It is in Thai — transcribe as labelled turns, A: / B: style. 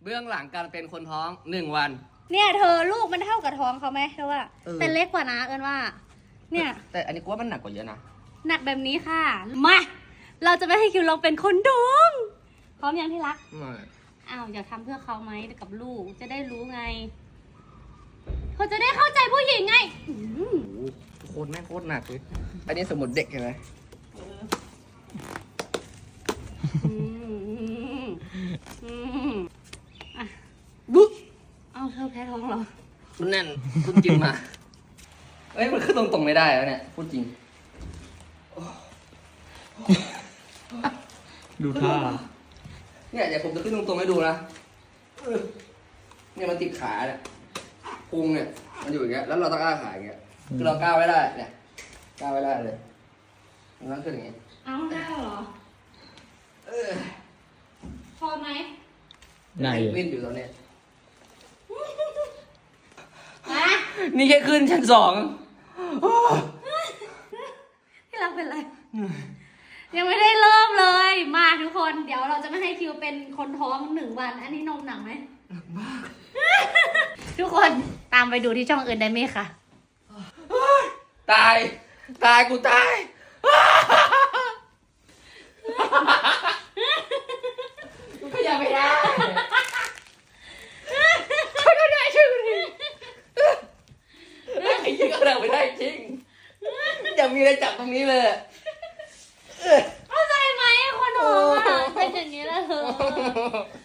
A: เบื้องหลังการเป็นคนท้อง1 วัน
B: เนี่ยเธอลูกมันเท่ากับท้องเขาไหมเธอว่าแต่เล็กกว่านะเอิญว่าเนี่ย
A: แต่อันนี้กูว่ามันหนักกว่าเยอะนะ
B: หนักแบบนี้ค่ะมาเราจะไม่ให้คิวลองเป็นคนท้องพร้อมยังที่รักอ้าวอยากทำเพื่อเขาไหมกับลูกจะได้รู้ไงเขาจะได้เข้าใจผู้หญิงไง
A: โคตรแม่งโคตรหนักเลยอันนี้สมุดเด็กเห็นไหมบุ๊
B: เอาเธอแพ้ท้องเหรอ
A: มันแน่นพูดจริงมาเอ้ยมันขึ้นตรงๆไม่ได้แล้วเนี่ยพูดจริง
C: ดูท่า
A: เนี่ยเดี๋ยวผมจะขึ้นตรงๆให้ดูนะเนี่ยมันติดขาเนี่ยพุงเนี่ยมันอยู่อย่างเงี้ยแล้วเราต้องก้าวขาอย่างเงี้ยคือเราก้าวไม่ได้เนี่ยก้าวไม่ได้เลยมันต้องขึ้นอย่างเงี้ย
B: เอาได้เหรอพอไหม
C: ไหน
A: วิ่งอยู่ตอนเนี้ย
B: อะ
A: นี่แค่ขึ้นชั้น2
B: ที่รักเป็นไรยังไม่ได้เริ่มเลยมาทุกคนเดี๋ยวเราจะไม่ให้คิวเป็นคนท้อง1 วันอันนี้นมหนักไหม
A: หนักมาก
B: ทุกคนตามไปดูที่ช่องอื่นได้ไหมคะ
A: ตายกูตายกูขยับไม่ได้ช่วยกูด้วยไอ้ยี่ก็ขยับไม่ได้จริงอย่ามีอะไรจับตรงนี้เลย
B: เข้าใจไหมคนท้องอ่ะเป็นอย่างนี้แหละเธอ